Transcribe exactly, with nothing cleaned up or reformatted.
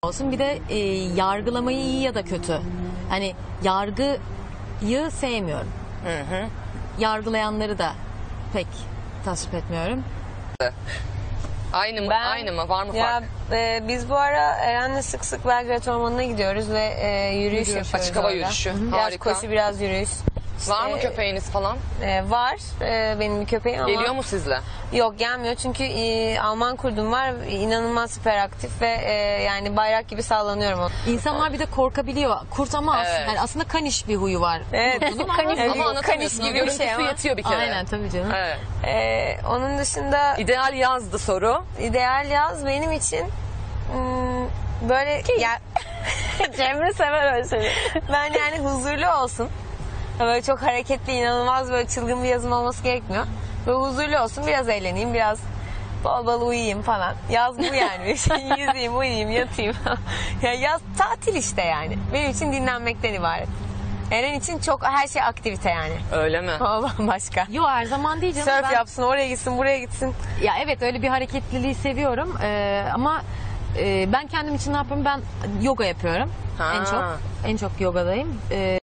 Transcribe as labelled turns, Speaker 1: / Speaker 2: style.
Speaker 1: olsun. Bir de e, yargılamayı iyi ya da kötü. Hani yargıyı sevmiyorum.
Speaker 2: Hı hı.
Speaker 1: Yargılayanları da pek tasvip etmiyorum.
Speaker 2: Aynı mı?
Speaker 3: Ben-
Speaker 2: Aynı mı? Var mı
Speaker 3: Ya
Speaker 2: fark?
Speaker 3: e, biz bu ara Eren'le sık sık Belgrad Ormanı'na gidiyoruz ve e, yürüyüş yapıyoruz.
Speaker 2: Açık hava
Speaker 3: orada.
Speaker 2: yürüyüşü.
Speaker 3: Biraz
Speaker 2: Harika.
Speaker 3: koşu, biraz yürüyüş.
Speaker 2: Var mı
Speaker 3: İşte,
Speaker 2: köpeğiniz falan?
Speaker 3: e, var e, benim bir köpeğim ama
Speaker 2: Geliyor mu sizle?
Speaker 3: yok, gelmiyor çünkü e, Alman kurdum var, inanılmaz süperaktif ve e, yani bayrak gibi sallanıyorum onu.
Speaker 1: İnsanlar bir de korkabiliyor. Kurt ama aslında,
Speaker 2: Evet.
Speaker 1: yani aslında kaniş bir huyu var.
Speaker 3: Evet,
Speaker 1: Kurtun ama-
Speaker 3: kanis,
Speaker 2: Ama
Speaker 3: kanis
Speaker 2: anlatamıyorsun.
Speaker 3: gibi bir
Speaker 2: Görüntüsü
Speaker 3: şey ama.
Speaker 2: yetiyor bir kere.
Speaker 1: Aynen tabii canım.
Speaker 2: Evet.
Speaker 3: E, onun dışında
Speaker 2: İdeal yazdı soru.
Speaker 3: ideal yaz benim için hmm, böyle ya, Cemre sever öyle şeyleri. Ben yani huzurlu olsun. Böyle çok hareketli, inanılmaz böyle çılgın bir yazım olması gerekmiyor. Böyle huzurlu olsun, biraz eğleneyim, biraz bol bol uyuyayım falan. Yaz bu yani. Yüzeyim, uyuyayım, yatayım. Ya yaz tatil işte yani. Benim için dinlenmekten ibaret. Eren için çok her şey aktivite yani.
Speaker 2: Öyle mi?
Speaker 3: O bambaşka.
Speaker 1: Yo, her zaman değil canım.
Speaker 3: Surf
Speaker 1: Ben-
Speaker 3: yapsın, oraya gitsin, buraya gitsin.
Speaker 1: Ya evet, öyle bir hareketliliği seviyorum. Ee, ama e, ben kendim için ne yapıyorum? Ben yoga yapıyorum.
Speaker 2: Ha.
Speaker 1: En çok. En çok yogadayım. Ee,